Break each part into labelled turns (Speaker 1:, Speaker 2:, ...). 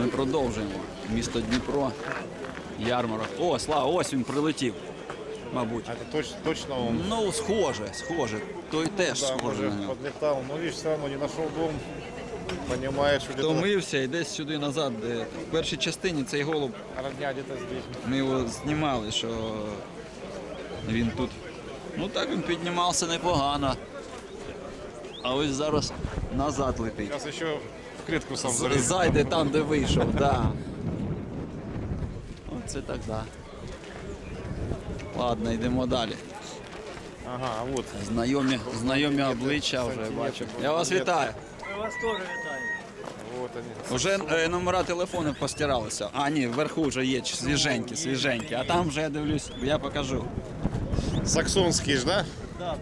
Speaker 1: Ми продовжуємо. Місто Дніпро, ярмарок. О, Слава, ось він прилетів, мабуть.
Speaker 2: А это точно он?
Speaker 1: Ну, схоже. Той теж
Speaker 2: Да,
Speaker 1: схоже
Speaker 2: может,
Speaker 1: на нього.
Speaker 2: подлетал, но видишь, все равно не нашел дом. Понимает, что где-то
Speaker 1: Втомився і десь сюди назад. Де... В першій частині цей голуб,
Speaker 2: родня где-то здесь.
Speaker 1: ми його знімали, що він тут. Ну так він піднімався непогано. А ось зараз назад летить.
Speaker 2: Сейчас еще в клетку сам залез.
Speaker 1: Зайде там, де вийшов, так. Да. Оце так, да. Ладно, йдемо далі.
Speaker 2: Ага, а вот.
Speaker 1: Знайомі обличчя вже бачу. Я вас вітаю.
Speaker 3: Ми вас теж вітаємо.
Speaker 2: Вот они.
Speaker 1: Уже номера телефону постиралися. А, ні, вверху вже є свіженькі. А там вже я дивлюсь, я покажу.
Speaker 2: Саксонский ж, да?
Speaker 3: Да.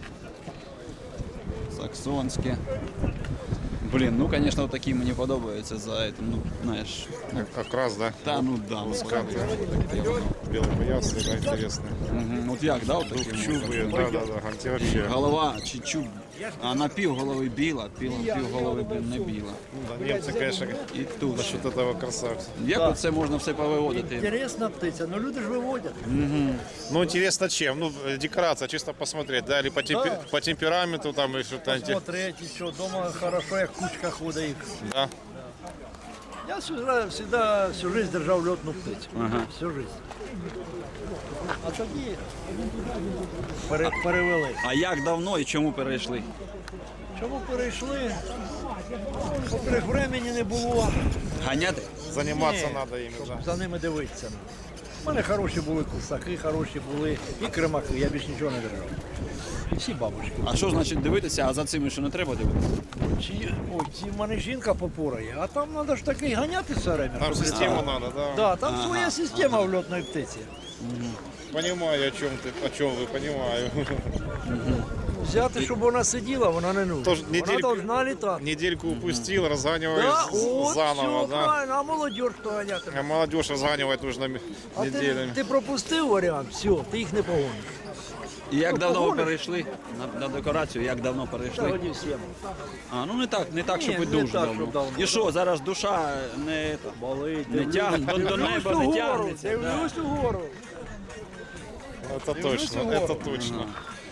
Speaker 1: Саксонські. Блін, ну, звісно, вот такі мені подобаються за этим, ну, знаєш.
Speaker 2: Как раз, да?
Speaker 1: Та, ну, да. Ну,
Speaker 2: Сканты. Белые поясы, да, интересные.
Speaker 1: От як, да, от такі?
Speaker 2: Чубы, да. Анти вообще.
Speaker 1: Голова чи чуб, а на пів голови біла, пів голови, блін, не біла.
Speaker 2: Да, немцы, конечно,
Speaker 1: І тут
Speaker 2: насчет этого красавца.
Speaker 1: як оце можна все повиводити?
Speaker 3: Інтересна птиця, ну люди ж виводять.
Speaker 2: Ну, интересно чем? Ну, декорация, чисто посмотреть, да? Или по темпераменту там, или что-то.
Speaker 3: Смотреть, і що, вдома хорошо, як кучка ходить їх.
Speaker 2: Да.
Speaker 3: Я завжди всю жизнь держав льотну птицю. Всю жизнь. А тоді перевели.
Speaker 1: А як давно і чому перейшли?
Speaker 3: Чому перейшли? По-перше, времени не було.
Speaker 1: Ганяти?
Speaker 2: Заниматься
Speaker 3: Ні,
Speaker 2: надо ими,
Speaker 3: щоб
Speaker 2: да.
Speaker 3: за ними дивитися. У мене хороші були кусаки, хороші були і кремаки, я більш нічого не держав. І всі бабушки.
Speaker 1: А що значить дивитися, а за цими що не треба дивитися?
Speaker 3: В мене жінка попорає, а там треба ж таки ганяти все время.
Speaker 2: Там
Speaker 3: щоб
Speaker 2: систему
Speaker 3: літати.
Speaker 2: надо, да.
Speaker 3: Да, там своя система в льотної птиці.
Speaker 2: Понимаю, о чем вы, понимаю.
Speaker 3: Взяти, щоб вона сиділа, вона не нужна.
Speaker 2: Тож
Speaker 3: Вона
Speaker 2: недельку-
Speaker 3: повинна літати.
Speaker 2: Недельку упустил,
Speaker 3: Да,
Speaker 2: разганиваешь
Speaker 3: от,
Speaker 2: заново,
Speaker 3: все
Speaker 2: да.
Speaker 3: правильно, а молодь хто ганятиме.
Speaker 2: А молодежь разганивать нужно
Speaker 3: А
Speaker 2: неделями.
Speaker 3: ти пропустив варіант, все, ти їх не погониш.
Speaker 1: І як давно ви
Speaker 3: погониш.
Speaker 1: перейшли на декорацію, як давно
Speaker 3: Та
Speaker 1: перейшли?
Speaker 3: годі всім.
Speaker 1: А, ну не так, щоб і
Speaker 3: не
Speaker 1: дуже
Speaker 3: так,
Speaker 1: давно.
Speaker 3: щоб давно.
Speaker 1: І що, зараз душа не,
Speaker 3: Болить.
Speaker 1: не тягне, до неба не тягнеться. Да.
Speaker 3: Дивлюсь угору.
Speaker 2: Это точно,
Speaker 3: угору.
Speaker 2: это точно.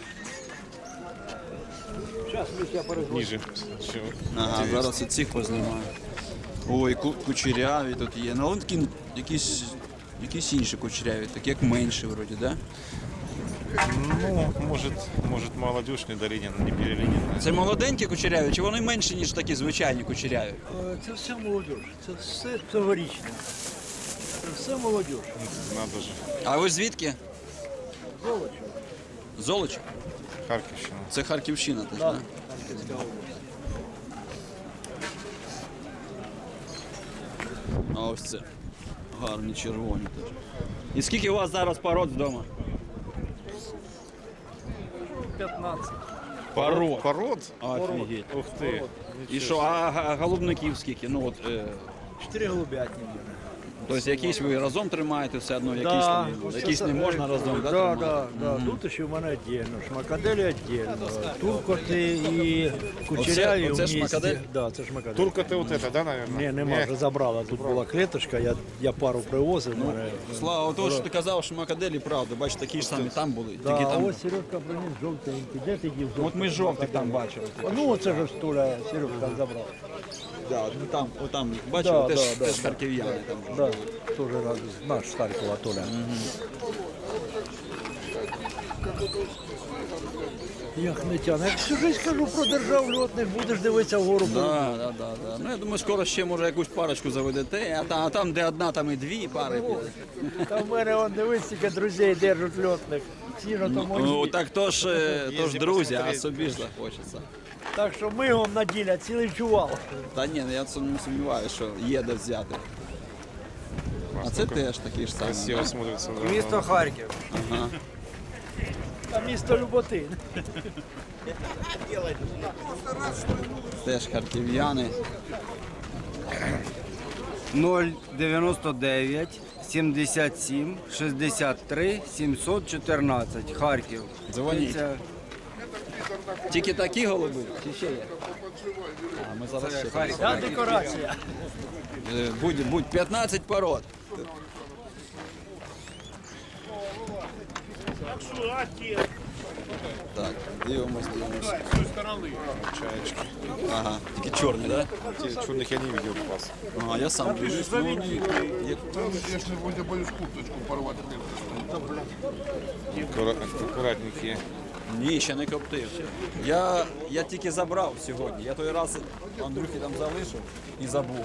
Speaker 3: Зараз ми я перезвоню.
Speaker 2: Ниже. Чего?
Speaker 1: Ага, зараз і цих познімаю. Ой, кучеряві тут є. Ну, вони такі якісь інші кучеряві, такі як менші вроді, да?
Speaker 2: Ну, может молодежь недолинена, не перелинена.
Speaker 1: Це молоденькі кучеряві, чи вони менші, ніж такі звичайні кучеряві?
Speaker 3: Це все молодь, це все цьогорічне. Це все молодь.
Speaker 2: Надо же.
Speaker 1: А ви звідки?
Speaker 3: Золочо.
Speaker 1: Золочі?
Speaker 2: Харьковщина.
Speaker 1: Це Харківщина теж,
Speaker 3: Да.
Speaker 1: да?
Speaker 3: Харківська область.
Speaker 1: А ось це. Гарні червоні теж. І скільки у вас зараз пород вдома?
Speaker 3: 15.
Speaker 2: Пород?
Speaker 1: Офігеть.
Speaker 2: Ух ты.
Speaker 1: І що, а голубників скільки? Ну от,
Speaker 3: 4 голубятні.
Speaker 1: тобто якісь ви разом тримаєте все одно, якісь не можна разом, да,
Speaker 3: Да,
Speaker 1: тримати?
Speaker 3: да. Тут ще в мене віддільно, шмакаделі віддільно, туркоти і кучеряві
Speaker 1: Оце
Speaker 3: в місті.
Speaker 1: шмакадель?
Speaker 3: Да, це шмакадель.
Speaker 2: Турка ты вот это, да, наверное?
Speaker 3: Ні, нема, вже забрала. Тут була клеточка, я пару привозив. мене.
Speaker 1: Слава, от що ти казав, що макаделі, правда, бачиш, такі ж самі там були.
Speaker 3: Да,
Speaker 1: Тільки
Speaker 3: а
Speaker 1: там...
Speaker 3: ось Сережка приніс жовтенький. Де ти дів жовтий?
Speaker 1: От ми жовтих там бачили.
Speaker 3: Ну, оце ж Толя Сережка забрав.
Speaker 1: Да, ну там, отам, бачив,
Speaker 3: Да,
Speaker 1: теж,
Speaker 3: да,
Speaker 1: теж
Speaker 3: да.
Speaker 1: харків'яни там.
Speaker 3: Да, теж наш з Харкова Толя. Як не тяне. Як всю життя кажу про держав льотних, будеш дивитися вгору.
Speaker 1: Да. Ну, я думаю, скоро ще, може, якусь парочку заведете, а там, де одна, там і дві пари піде.
Speaker 3: Та в мене он дивись, скільки друзей держать льотних. Всі ж то
Speaker 1: Ну,
Speaker 3: мої.
Speaker 1: так то ж друзі, а
Speaker 2: посмотреть.
Speaker 1: собі ж захочеться.
Speaker 3: Так що ми вам наділя цілий чувал.
Speaker 1: Та ні, я не сумніваюся, що є де взяти. А це теж такі ж самі.
Speaker 2: Красиво смотрится. Да.
Speaker 3: Місто Харків.
Speaker 1: Ага.
Speaker 3: А місто Люботин.
Speaker 1: Теж харків'яни.
Speaker 4: 099 77 63 714 Харків.
Speaker 1: Дзвоніть.
Speaker 4: Це
Speaker 1: Тільки такі голуби? Чи ще є? А ми зараз ще
Speaker 4: Харків.
Speaker 3: Ця декорація.
Speaker 1: Будь 15 пород. Так, дивимось.
Speaker 2: Чаечки.
Speaker 1: Ага, тільки чорний, так?
Speaker 2: Те черных я не видел у вас.
Speaker 1: Ага, я сам дивлюсь. Ну, як-
Speaker 2: Аккуратненькие.
Speaker 1: Ні, ще не коптив. Я тільки забрав сьогодні. Я той раз Андрюхі там залишив і забув.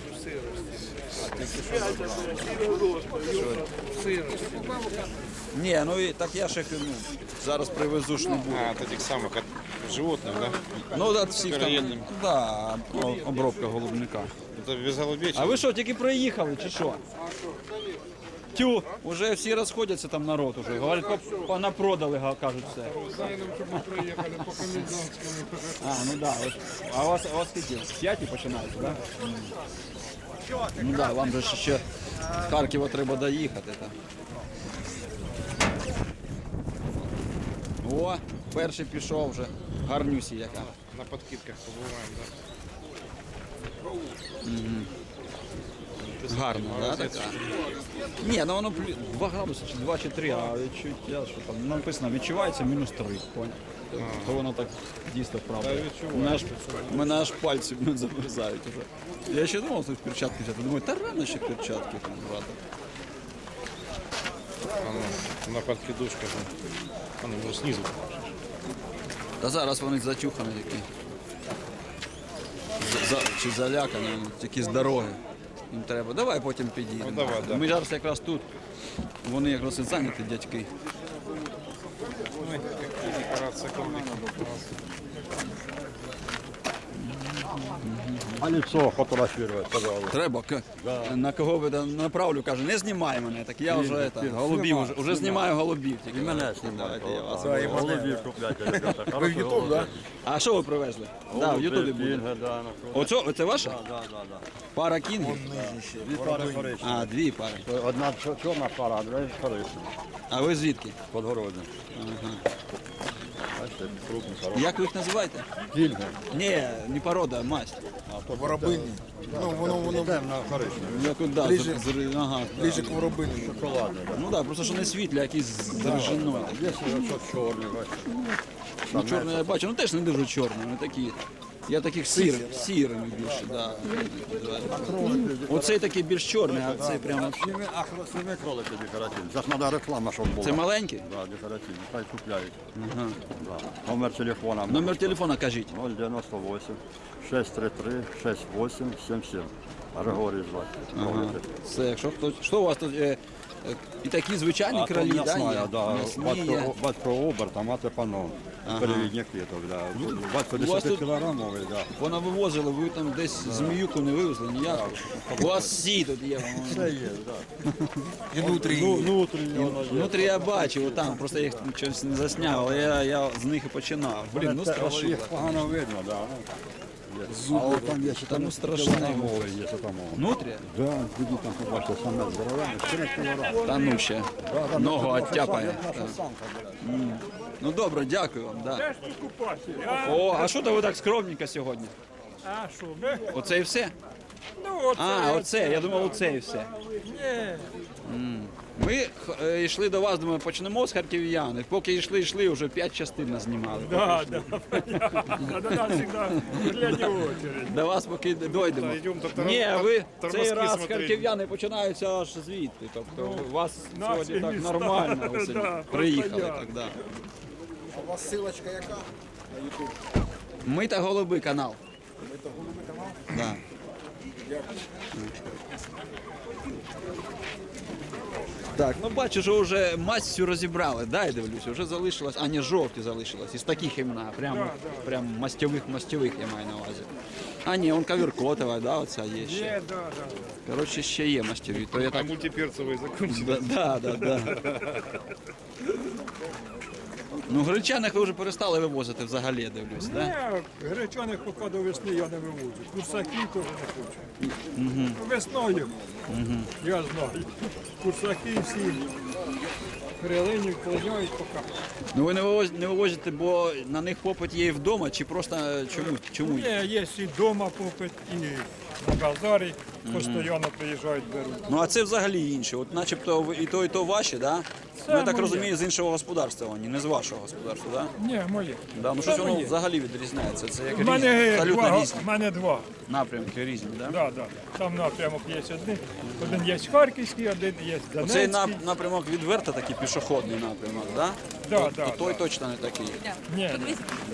Speaker 1: Ні, ну і так я ще зараз привезу ж не буду.
Speaker 2: А, от этих самых от животных, да?
Speaker 1: Ну, от всіх там,
Speaker 2: Переєдним.
Speaker 1: да, обробка голубника.
Speaker 2: Это без голубей.
Speaker 1: А ви що, тільки приїхали чи що? Тю, уже всі розходяться там народ уже. Говорять, понапродали, кажуть все. А, ну да. А у вас скільки? З 5 починається, так? Да? Ну да, вам же ще з Харкова треба доїхати. Так. О, перший пішов вже. Гарнюсі яка.
Speaker 2: На подкидках побываем, да?
Speaker 1: Гарно, да, така? Ні, ну воно 2 градуси, чи 2 чи 3, а відчуття, що там написано, відчувається мінус 3, понял? То воно так дійсно правда. Мене аж пальці замерзають уже. Я ще думав, що в перчатки взяти. Думаю, та рано ще перчатки там брати.
Speaker 2: На подкидушках. Оно уже снизу.
Speaker 1: Та зараз вони затюхані такі. Чи залякані, тільки з дороги. Їм треба. Давай потім підійдемо.
Speaker 2: Ну, давай, да.
Speaker 1: Ми зараз якраз тут. Вони якраз і зайняті, дядьки.
Speaker 2: Декорация комнаты.
Speaker 5: А лицо фотографировать, пожалуйста.
Speaker 1: Треба, на кого ви там направлю, каже, не знімай мене, так я вже голубів, вже знімаю голубів. Тільки.
Speaker 5: І мене знімають.
Speaker 1: Давайте я вас.
Speaker 5: Голубів купляйте, ребята. Ви в Ютуб, так?
Speaker 1: А що ви привезли? Так, в Ютубі буде. Оце ваша?
Speaker 5: Так.
Speaker 1: Пара кінгів?
Speaker 5: Дві пари коричневі.
Speaker 1: А, 2 пари.
Speaker 5: Одна чорна пара, а друга коричнева.
Speaker 1: А ви звідки?
Speaker 5: Подгородня. Бачите, крупні, хороші.
Speaker 1: Як ви їх називаєте?
Speaker 5: Кільги.
Speaker 1: Ні, не порода, а масть.
Speaker 6: Воробині. Ну, воно
Speaker 5: Йдемо на коричневі.
Speaker 1: Як от, да, ага,
Speaker 6: ближче к воробині.
Speaker 5: Шоколадне, так.
Speaker 1: Ну так, просто що не світлі, а якісь з ржиною.
Speaker 5: Є ще чорний, бачите.
Speaker 1: Ну, чорний я бачу, ну теж не дуже чорний, вони такі. Я таких сірими більше, да. Оцей такий більш чорний, а цей прямо.
Speaker 5: Сніми кролики декоративні. Зараз треба реклама, щоб була.
Speaker 1: Це маленький?
Speaker 5: Так, декоративні. Хай купляють. Да. Номер телефона.
Speaker 1: Номер телефона кажіть.
Speaker 5: 098 633 6877. Григорій звати. Кролики.
Speaker 1: Це якщо хтось. Що у вас тут? І такі звичайні кролі,
Speaker 5: то
Speaker 1: да?
Speaker 5: м'ясна,
Speaker 1: є?
Speaker 5: да.
Speaker 1: М'ясні є.
Speaker 5: Батько оберт, а мати паном. Перевідники, то, да. Батько
Speaker 1: у вас
Speaker 5: 10
Speaker 1: тут-
Speaker 5: кілограмовий, да.
Speaker 1: Вона вивозила, ви там десь зміюку не вивезли, ніяк. У вас всі тут є.
Speaker 5: Це є, так.
Speaker 6: І внутрі.
Speaker 5: Внутрішньо воно є.
Speaker 1: Внутрі я бачив, там просто я їх щось не засняв, але я з них і починав. Блін, ну страшно.
Speaker 5: Їх погано видно, да.
Speaker 1: Зуби,
Speaker 5: там є ще
Speaker 1: та ну
Speaker 5: там
Speaker 1: страшне.
Speaker 5: кілограмовий є, що там.
Speaker 1: Внутрі?
Speaker 5: Да, тоді там побачите, саме здоровенне, 4 кілограми.
Speaker 1: Та ну ще. Ногу оттяпає.
Speaker 5: Наша самка, блядь.
Speaker 1: Ну добре, дякую вам. Да. О, а що то ви так скромненько сьогодні?
Speaker 7: А що, ми?
Speaker 1: Оце і все?
Speaker 7: Ну, оце,
Speaker 1: А, оце, я думав, оце і все.
Speaker 7: Ні.
Speaker 1: Ми йшли до вас, думаю, почнемо з харків'ян. І поки йшли, вже 5 частин назнімали.
Speaker 7: Да, понятно. До нас завжди глядя в очередь.
Speaker 1: До вас поки дойдемо.
Speaker 2: Та йдемо до
Speaker 1: Ні, ви
Speaker 2: тормозки
Speaker 1: цей раз
Speaker 2: смотреть.
Speaker 1: харків'яни починаються аж звідти. Тобто у вас
Speaker 7: наші
Speaker 1: сьогодні так
Speaker 7: міста.
Speaker 1: нормально ви сьогодні
Speaker 7: Да,
Speaker 1: приїхали.
Speaker 7: просто
Speaker 1: Так, да.
Speaker 6: У вас силочка яка?
Speaker 1: Ми та голуби канал. Ми та голуби канал? Да. Так, ну бачу, що вже масть всю розібрали, да, я дивлюся, вже залишилось, а не жовті залишилось, із таких імена, прям мастьових я маю на увазі. А ні, он ковіркотова, да, оця є ще.
Speaker 7: Є, да.
Speaker 1: Коротше, ще є мастьові, то я
Speaker 2: А
Speaker 1: так...
Speaker 2: мультиперцевые закончились.
Speaker 1: Да. Ну, гречаних ви вже перестали вивозити взагалі, я дивлюсь, да?
Speaker 7: Ні, гречаних поки до весни я не виводжу. Курсаків теж не хочу. Весною, я знаю. Курсаки всі перелинів клоняють поки.
Speaker 1: Ну ви не вивозите, бо на них попит є і вдома, чи просто чому?
Speaker 7: Ні, є і вдома попит, і на базарі. постійно приїжджають, беруть.
Speaker 1: Ну а це взагалі інше. От начебто і то ваші, да?
Speaker 7: Це
Speaker 1: Ну, я так
Speaker 7: моє.
Speaker 1: розумію, з іншого господарства вони, не з вашого господарства, да?
Speaker 7: Ні, моє.
Speaker 1: Да, ну
Speaker 7: Це
Speaker 1: щось воно
Speaker 7: моє.
Speaker 1: взагалі відрізняється. Це як
Speaker 7: У мене
Speaker 1: різні, абсолютно
Speaker 7: два,
Speaker 1: різні
Speaker 7: в мене два.
Speaker 1: напрямки різні, да?
Speaker 7: Да, да. Там напрямок є один. Один є Харківський, один є
Speaker 1: Цей
Speaker 7: Донецький.
Speaker 1: напрямок відверто такий пішохідний напрямок, да?
Speaker 7: Да,
Speaker 1: То-
Speaker 7: да,
Speaker 1: то той
Speaker 7: да.
Speaker 1: точно не такий.
Speaker 7: Ні, ні.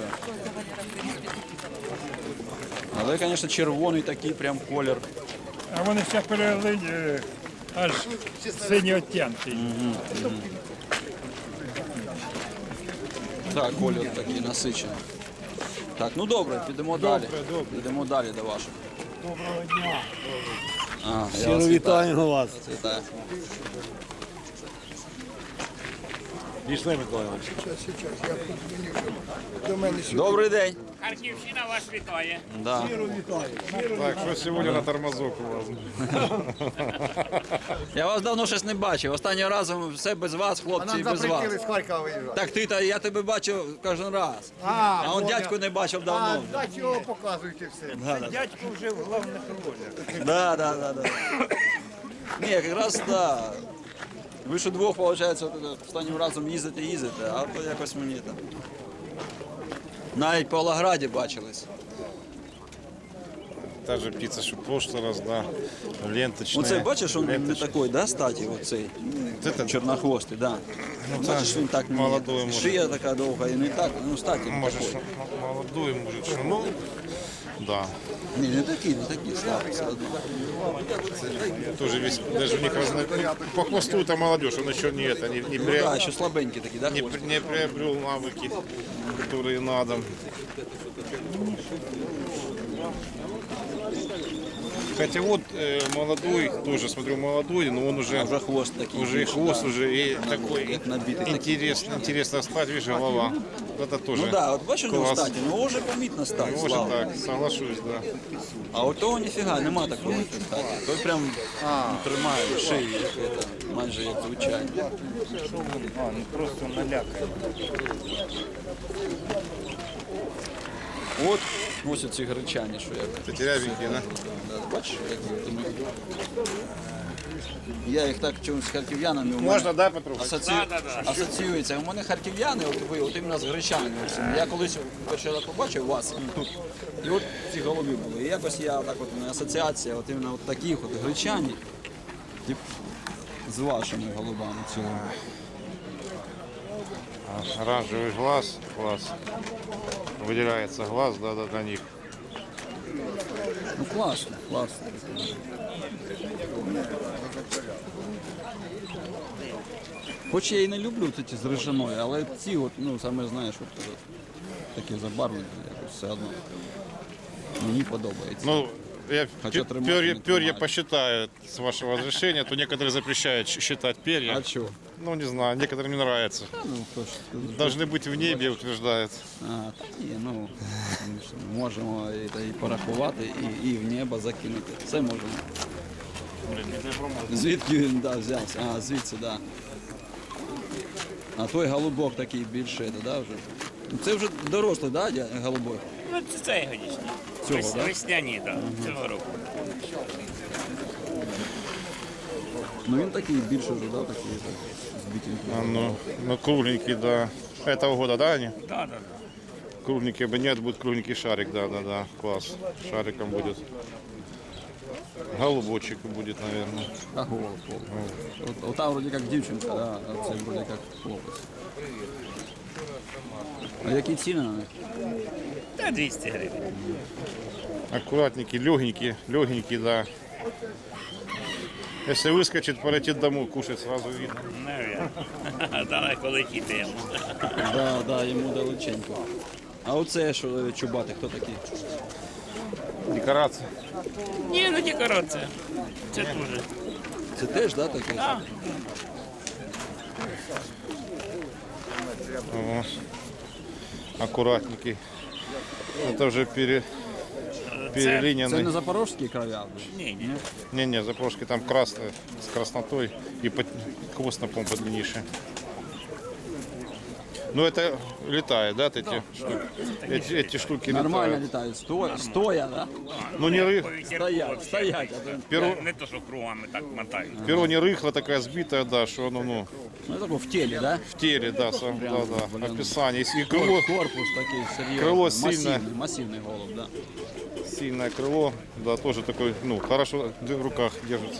Speaker 1: Але, звісно, червоний такий прям колір.
Speaker 7: А вони ще перелили аж сині оттінки.
Speaker 1: Так, колір такий насичений. Так, ну добре, підемо далі. Підемо далі до вашого.
Speaker 7: Доброго дня.
Speaker 1: Щиро вітаю
Speaker 5: вас.
Speaker 1: Вітаю.
Speaker 5: Пішли, Миколаївич.
Speaker 6: До мене сюди.
Speaker 1: Добрий день.
Speaker 8: Харківщина вас вітає.
Speaker 1: Да.
Speaker 2: Так, что сегодня на тормозок у вас?
Speaker 1: Я вас давно щось не бачив. Останнього разу все без вас, хлопці, і без вас.
Speaker 6: з Харкова виїжджати.
Speaker 1: Так ти, я тебе бачив кожен раз. А он дядьку не бачив давно.
Speaker 6: А чого показуєте все?
Speaker 7: Дядько вже в головних ролях.
Speaker 1: Да. Ні, якраз да. Ви ж удвох, виходить, останнім разом їздите, а то якось мені там. Навіть по Лаграді бачились.
Speaker 2: Та же птица, что в прошлый раз, да, ленточная.
Speaker 1: Оце бачиш, він не
Speaker 2: ленточная.
Speaker 1: такий, да, статі, оцей
Speaker 2: Це
Speaker 1: чорнохвостий, да. Бачиш, він так не
Speaker 2: молодой, може.
Speaker 1: шия така довга і не так, ну статі не
Speaker 2: Может,
Speaker 1: такий.
Speaker 2: молодой, может, что, ну, да.
Speaker 1: Ні, не такий, слабий все одно.
Speaker 2: Тоже весь, даже у них по хвосту это молодежь, он еще не это, не,
Speaker 1: Ну так, ще слабенький такий, да, хвост?
Speaker 2: не приобрел навыки, которые надо. Хотя вот молодой, тоже смотрю молодой, но он уже,
Speaker 1: Вже хвост такий.
Speaker 2: уже и
Speaker 1: більше,
Speaker 2: хвост
Speaker 1: да.
Speaker 2: уже и такой
Speaker 1: Як набитий такий.
Speaker 2: интересно стать, видишь, голова. Это тоже.
Speaker 1: Ну да, от бачиш у нього
Speaker 2: класс.
Speaker 1: статі, ну вже помітно стать,
Speaker 2: Может
Speaker 1: слава.
Speaker 2: так, соглашусь, да.
Speaker 1: А от того ніфіга, нема такої статі. Той прям тримає шию, як це, майже як звичайно.
Speaker 4: Просто налякає.
Speaker 1: От ось ці гречані, що я.
Speaker 2: Это терябенькие, да?
Speaker 1: Да, бачиш, як вони. Я їх так чомусь з харків'янами у мене
Speaker 2: Можно, да, Петрух?
Speaker 1: асоціюється. У мене харків'яни, от ви, от іменно з гречанами. Я колись перший раз побачив вас тут. І от ці голуби були. І якось я так от у мене асоціація, от іменно от таких от гречані, тип, з вашими голубами цілими.
Speaker 2: Оранжевый глаз, класс. Выделяется глаз, да, для них.
Speaker 1: Ну класно, класно. Хоч я і не люблю ці з рижаною, але ці от, ну саме знаєш, от такі забарвлені, якось все одно. Мені подобається.
Speaker 2: Ну, я
Speaker 1: Хотя тримать
Speaker 2: перья,
Speaker 1: не
Speaker 2: перья
Speaker 1: тримать.
Speaker 2: посчитаю, с вашего разрешения, то некоторые запрещают считать перья.
Speaker 1: А чого?
Speaker 2: Ну, не знаю, некоторым не нравится.
Speaker 1: Ну, хто ж
Speaker 2: Должны быть в небе, утверждают.
Speaker 1: А, та ні, ну ми ж можемо і порахувати, і в небо закинути. Це можемо. Звідки він взявся? А, звідси, так. Да. А той голубок такий більше, да, вже? Це вже дорослий, да, голубок?
Speaker 8: Ну, це цьогорічні.
Speaker 1: Цього, да?
Speaker 8: Весняні, так, цього року.
Speaker 1: Ну він такий більше вже, да, такий збитенький.
Speaker 2: А, ну, кругленький, да. Этого года, да, они?
Speaker 8: Да, да, да.
Speaker 2: Кругленький бы нет, будет кругленький шарик, да, класс. Шариком будет. Голубочек будет, наверное.
Speaker 1: А голуб. От там вроде як дівчинка, да, а це вроде як хлопець. А які ціни на них?
Speaker 8: Та 200 гривень.
Speaker 2: Аккуратненький, легенький, да. Если выскочит, полетит домой, кушать сразу видно.
Speaker 8: Навірно. Далеко летіти йому.
Speaker 1: Да, йому далеченько. А оце що чубати, хто такий?
Speaker 2: Декорация.
Speaker 8: Ні, ну декорація. Це дуже.
Speaker 1: Це теж, да, такий?
Speaker 8: А,
Speaker 2: О, аккуратненький. Это уже
Speaker 1: Це
Speaker 2: перелиненный.
Speaker 1: не запорожський кров'я?
Speaker 8: ні, ні.
Speaker 2: Не, запорожки там красная, с краснотой и хвост на помпу длиннейший. Ну это летает, да, эти штуки? Эти штуки
Speaker 1: Нормально
Speaker 2: летают.
Speaker 1: літають. Стоя, да?
Speaker 2: Ну не рых,
Speaker 1: Стоять. А то...
Speaker 2: перо,
Speaker 8: Не то, що кругами так мотають.
Speaker 2: перо не рыхло, такая сбитая, да, что оно, ну,
Speaker 1: Ну, тако в тілі, да?
Speaker 2: в теле, да, да. Описание. И крыло,
Speaker 1: Корпус такий серйозний.
Speaker 2: Крило сильне.
Speaker 1: Масивний голуб, да.
Speaker 2: сильное крыло, да, тоже такой, ну, хорошо в руках держится.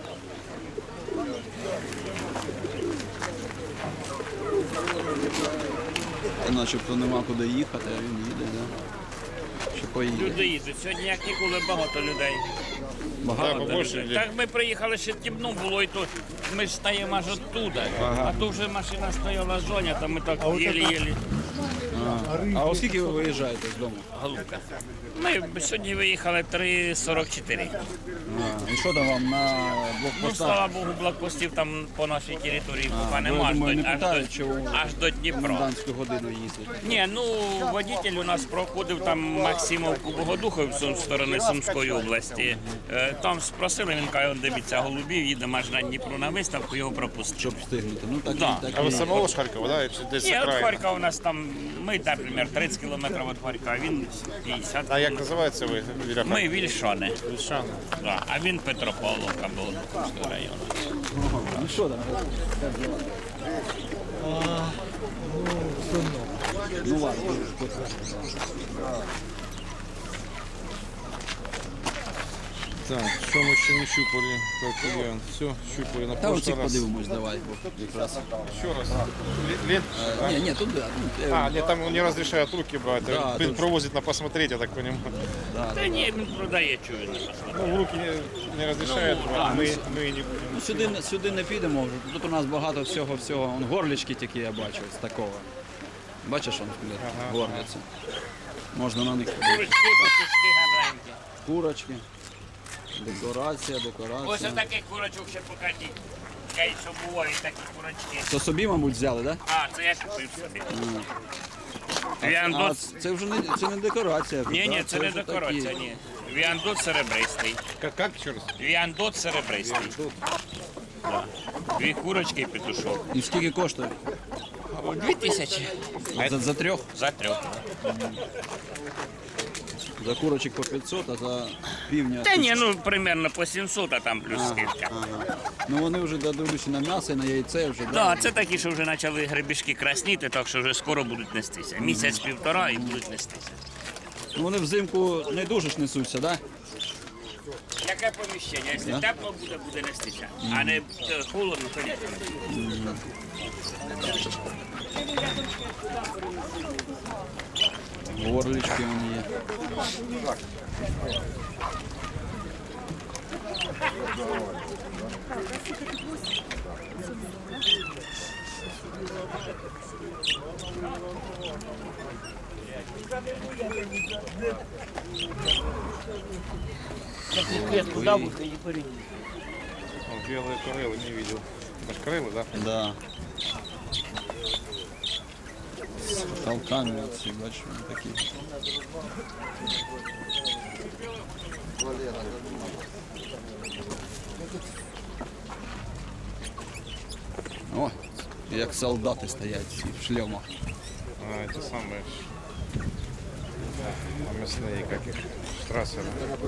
Speaker 1: Начебто нема куди їхати, а він їде, да? Чи поїде?
Speaker 8: Люди їдуть. Сьогодні як ніколи багато людей.
Speaker 1: Багато.
Speaker 2: Да, побольше людей.
Speaker 8: Так ми приїхали, ще темно було, і то ми ж стаємо аж оттуда. А то вже машина стояла зоня, там ми так єлі-єлі.
Speaker 1: А оскільки ви виїжджаєте з дому?
Speaker 8: Голубка. Ми сьогодні виїхали 3:44.
Speaker 1: І що там вам на
Speaker 8: Ну,
Speaker 1: блокпостах?
Speaker 8: слава Богу, блокпостів там по нашій території поки
Speaker 1: ви,
Speaker 8: нема,
Speaker 1: думаю, не
Speaker 8: аж
Speaker 1: питають,
Speaker 8: до,
Speaker 1: чи у
Speaker 8: аж до Дніпра.
Speaker 1: комендантську годину їздять?
Speaker 8: Ні, ну водитель у нас проходив там Максимовку Богодуховцю з сторони Сумської області. Там спросили, він каже, дивіться, голубів, їдемо аж на Дніпро на виставку, його пропустили.
Speaker 1: Щоб встигнути. Ну так,
Speaker 8: Да.
Speaker 1: так
Speaker 2: А вы
Speaker 1: і-
Speaker 2: самого с Харькова, да? Или здесь
Speaker 8: Ні, от
Speaker 2: окраина?
Speaker 8: Харкова у нас там, ми, наприклад, 30 кілометрів від Харкова, а він 50.
Speaker 2: А як називається ви? Біля
Speaker 8: Ми Вільшани,
Speaker 2: Вільшани.
Speaker 8: да, а він Петропавловка, Богодуховського району.
Speaker 1: Ну що там? Ну ладно.
Speaker 2: Так, що ми ще не щупали? Так, Ульян, все, щупали на
Speaker 1: Та
Speaker 2: прошлый
Speaker 1: оцих
Speaker 2: раз.
Speaker 1: подивимось, давай. Якраз.
Speaker 2: Ще раз. Лент?
Speaker 1: Ні, туди.
Speaker 2: А, нет, там не разрешают руки брать.
Speaker 1: Да,
Speaker 2: Блин,
Speaker 1: тут-
Speaker 2: провозит на посмотреть, я так понимаю.
Speaker 8: Та ні, він продає, чую, не посмотрю.
Speaker 2: Ну, в руки не разрешают брать. Мы не...
Speaker 1: Ну, сюди не підемо вже. Тут у нас багато всього. Вон горлічки тільки я бачу з такого. Бачиш, он горляться. Можна на них подивитися.
Speaker 8: Курочки, петушки гарненькі.
Speaker 1: Курочки. Декорація.
Speaker 8: Ось таких курочок ще покажіть. Я й що бувають такі курочки.
Speaker 1: То собі, мабуть, взяли, так? Да?
Speaker 8: А, це я купив собі.
Speaker 1: А
Speaker 8: Віандот.
Speaker 1: це вже це не декорація.
Speaker 8: Ні, ні,
Speaker 1: да?
Speaker 8: це не
Speaker 1: вже
Speaker 8: декорація,
Speaker 1: такі.
Speaker 8: ні. Віандот серебристий.
Speaker 2: Как еще раз?
Speaker 8: Віандот серебристий. Да. Дві курочки і петушок.
Speaker 1: І скільки коштує?
Speaker 8: 2000
Speaker 1: За трьох?
Speaker 8: за трьох.
Speaker 1: За курочок по 500, а за півня.
Speaker 8: Та ні, ну примерно по 700, а там плюс скидка.
Speaker 1: Ну вони вже додивлюся на м'ясо і на яйце вже.
Speaker 8: Да, це такі, що вже почали гребішки красніти, так що вже скоро будуть нестися. Місяць-півтора і будуть нестися.
Speaker 1: Ну, вони взимку не дуже ж несуться, так? Да?
Speaker 8: Яке поміщення? Якщо тепло буде, буде нестися. А не холодно, то ні.
Speaker 1: Горлички вони є.
Speaker 2: Белые корелы не видел. Это ж корелы, да?
Speaker 1: Да. З толками оці, бачиш, вони такі. О, як солдати стоять всі в шлемах.
Speaker 2: А, эти самые мясные, как их, штрассеры.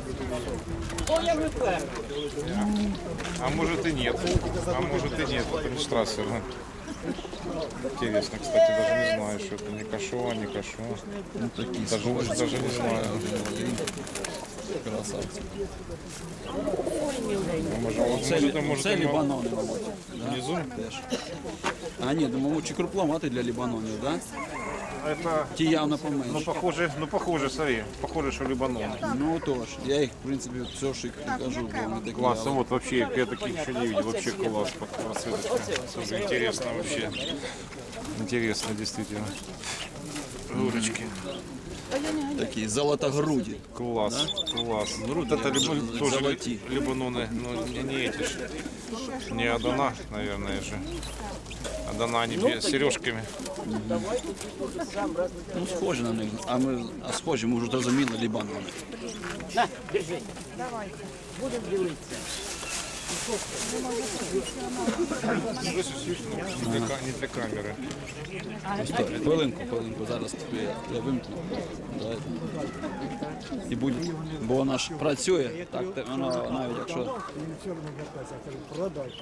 Speaker 2: А может и нет. А может и нет, это не штрассеры. Интересно, кстати, даже не знаю, что это не кашо, не кашо.
Speaker 1: Ну, такі
Speaker 2: Даже не знаю.
Speaker 1: красавці.
Speaker 2: А может,
Speaker 1: Це лібанони, мабуть.
Speaker 2: внизу?
Speaker 1: Теж. А ні, думаю, чи крупломати для лібанонів, так?
Speaker 2: Это,
Speaker 1: Ті явно поменше.
Speaker 2: похоже, смотри, похоже, что Либанон.
Speaker 1: Ну тож, я їх, в принципі, все ж і кажу, бо вони такі.
Speaker 2: Класс, а
Speaker 1: але-
Speaker 2: вот вообще, я таких еще не видел, вообще класс, расцветочка. Слушай, интересно вообще. Интересно, действительно. Рурочки.
Speaker 1: Такі золотогруді.
Speaker 2: Класс, класс. Вот это тоже
Speaker 1: Золоти.
Speaker 2: Либаноны, но не эти ж. Не Адана, наверное же. Адана они с сережками.
Speaker 1: Ну, схожі на них. А схожі, ми вже зрозуміли лібанони.
Speaker 2: Не для камеры.
Speaker 1: Стой, хвилинку, зараз я вимкну. Давайте. І буде, бо вона ж працює, так воно навіть якщо
Speaker 3: Він все одно вертається, каже, продай.